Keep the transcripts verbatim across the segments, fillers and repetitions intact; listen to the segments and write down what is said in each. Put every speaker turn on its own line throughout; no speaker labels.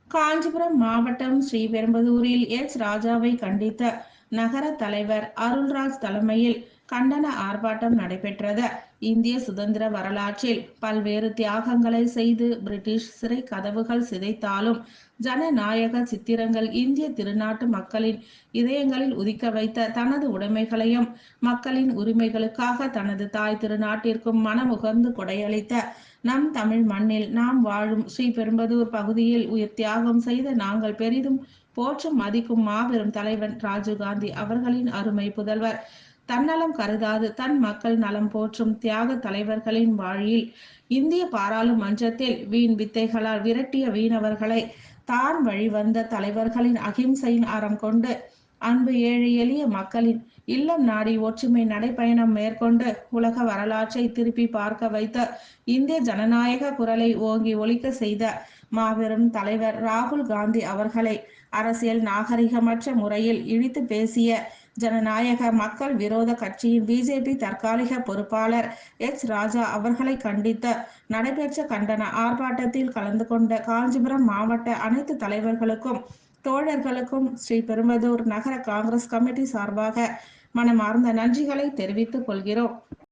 காஞ்சிபுரம் மாவட்டம் ஸ்ரீபெரும்புதூரில் எச் ராஜாவை கண்டித்த நகர தலைவர் அருள்ராஜ் தலைமையில் கண்டன ஆர்ப்பாட்டம் நடைபெற்றது. இந்திய சுதந்திர வரலாற்றில் பல்வேறு தியாகங்களை செய்து பிரிட்டிஷ் சிறை கதவுகள் சிதைத்தாலும் ஜனநாயக சித்திரங்கள் இந்திய திருநாட்டு மக்களின் இதயங்களில் உதிக்க வைத்த தனது உடைமைகளையும் மக்களின் உரிமைகளுக்காக தனது தாய் திருநாட்டிற்கும் மனமுகர்ந்து கொடையளித்த நம் தமிழ் மண்ணில் நாம் வாழும் ஸ்ரீபெரும்புதூர் பகுதியில் உயிர் தியாகம் செய்த நாங்கள் பெரிதும் போற்றும் மதிக்கும் மாபெரும் தலைவன் ராஜீவ்காந்தி அவர்களின் அருமை புதல்வர் தன்னலம் கருதாது தன் மக்கள் நலம் போற்றும் தியாக தலைவர்களின் வழியில் இந்திய பாராளுமன்றத்தில் வீண் வித்தைகளால் விரட்டிய வீணவர்களை தான் வழிவந்த தலைவர்களின் அகிம்சையின் அறம் கொண்டு அன்பு ஏழை எளிய மக்களின் இல்லம் நாடி ஒற்றுமை நடைப்பயணம் மேற்கொண்டு உலக வரலாற்றை திருப்பி பார்க்க வைத்த இந்திய ஜனநாயக குரலை ஓங்கி ஒலிக்க செய்த மாபெரும் தலைவர் ராகுல் காந்தி அவர்களை அரசியல் நாகரிகமற்ற முறையில் இழித்து பேசிய ஜனநாயக மக்கள் விரோத கட்சியின் பிஜேபி தற்காலிக பொறுப்பாளர் எச் ராஜா அவர்களை கண்டித்து நடைபெற்ற கண்டன ஆர்ப்பாட்டத்தில் கலந்து கொண்ட காஞ்சிபுரம் மாவட்ட அனைத்து தலைவர்களுக்கும் தோழர்களுக்கும் ஸ்ரீபெரும்புதூர் நகர காங்கிரஸ் கமிட்டி சார்பாக மனமார்ந்த நன்றிகளை தெரிவித்துக் கொள்கிறோம்.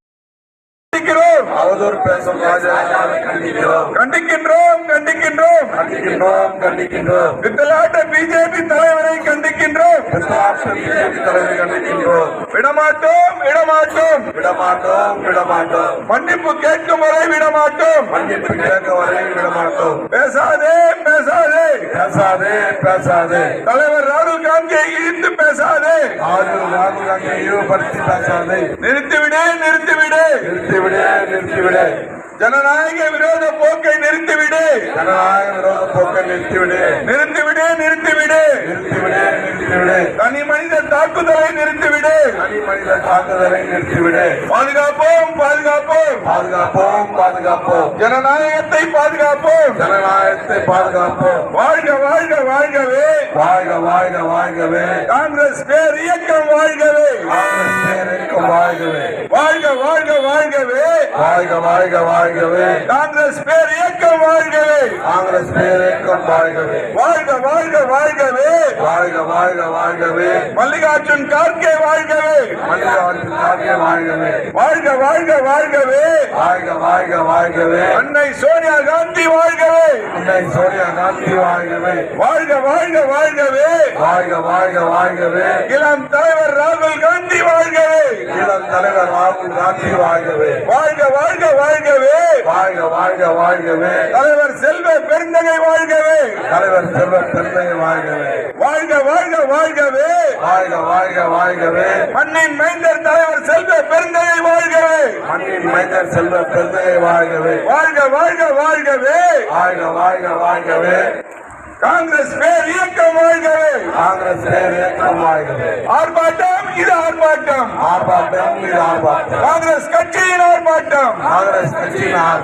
அவதூறு பேசும் ராஜாவை கண்டிக்கிறோம் கண்டிக்கின்றோம் கண்டிக்கின்றோம் கண்டிக்கின்றோம் கண்டிக்கின்றோம் வித்தலாட்ட பிஜேபி தலைவரை கண்டிக்கின்றோம் வித்தலாட்ட பிஜேபி தலைவரை கண்டிக்கின்றோம் விடமாட்டோம் விடமாட்டோம் விடமாட்டோம் விடமாட்டோம் மன்னிப்பு கேட்கும் வரை விடமாட்டோம் மன்னிப்பு கேட்கும் வரை விடமாட்டோம் பேசாதே பேசாதே பேசாதே பேசாதே தலைவர் ராகுல் காந்தியை இழுத்து பேசாதே ராகுல் ராகுல் காந்தியை இழிவுபடுத்தி பேசாதே நிறுத்திவிடு நிறுத்திவிடு நிறுத்திவிடு நிறுத்திவிடு ஜனநாயக விரோத போக்கை நிறுத்திவிடு ஜனநாயக விரோத போக்கை நிறுத்திவிடு நிறுத்திவிடு நிறுத்திவிடு நிறுத்திவிடு நிறுத்திவிடு தனி மனித தாக்குதலை நிறுத்திவிடு தனி மனித தாக்குதலை நிறுத்திவிடு பாதுகாப்போம் பாதுகாப்போம் பாதுகாப்போம் பாதுகாப்போம் ஜனநாயகத்தை பாதுகாப்போம் ஜனநாயகத்தை பாதுகாப்போம் வாழ்க வாழ்க வாழ்கவே வாழ்க வாழ்க வாழ்கவே காங்கிரஸ் பேர் இயக்கம் வாழ்கவே காங்கிரஸ் பேர் இயக்கம் வாழ்கவே வாழ்க வாழ்க வாழ்கவே வாழ்க வாழ்க வாழ்கவே காங்கிரஸ் பேர் இயக்கம் வாழ்கவே காங்கிரஸ் பேர் இயக்கம் வாழ்கவே வாழ்க வாழ்க வாழ்கவே வாழ்க வாழ்க வாழ்கவே மல்லிகார்ஜுன் கார்கே வாழ்கவே மல்லிகார்ஜுன் கார்கே வாழ்கவே வாழ்க வாழ்க வாழ்கவே வாழ்க வாழ்க வாழ்கவே அன்னை சோனியா காந்தி வாழ்கவே அன்னை சோனியா காந்தி வாழ்கவே வாழ்க வாழ்க வாழ்கவே வாழ்க வாழ்க வாழ்கவே இளம் தலைவர் ராகுல் காந்தி வாழ்கவே இளம் தலைவர் ராகுல் காந்தி வாழ்கவே வாழ்க வாழ்க வாழ்கவே வாழ்க வாழ்க வாழ்கவே தலைவர் செல்வ பெருந்தகை வாழ்கவே தலைவர் செல்வ பெருந்தகை வாழ்கவே வாழ்க வாழ்க வாழ்கவே வாழ்க வாழ்க வாழ்கவே மண்ணின் மைந்தர் தலைவர் செல்வ பெருந்தகை வாழ்கவே மண்ணின் மைந்தர் செல்வ பெருந்தகை வாழ்கவே வாழ்க வாழ்க வாழ்கவே வாழ்க வாழ்க வாழ்கவே காங்கிரஸ் பேர் இயக்கம் வாழ்கவே காங்கிரஸ் பேர் இயக்கம் வாழ்கவே ஆர்ப்பாட்டம் இது ஆர்ப்பாட்டம் ஆர்ப்பாட்டம் இது ஆர்ப்பாட்டம் காங்கிரஸ் கட்சியின் ஆர்ப்பாட்டம் காங்கிரஸ் கட்சியின்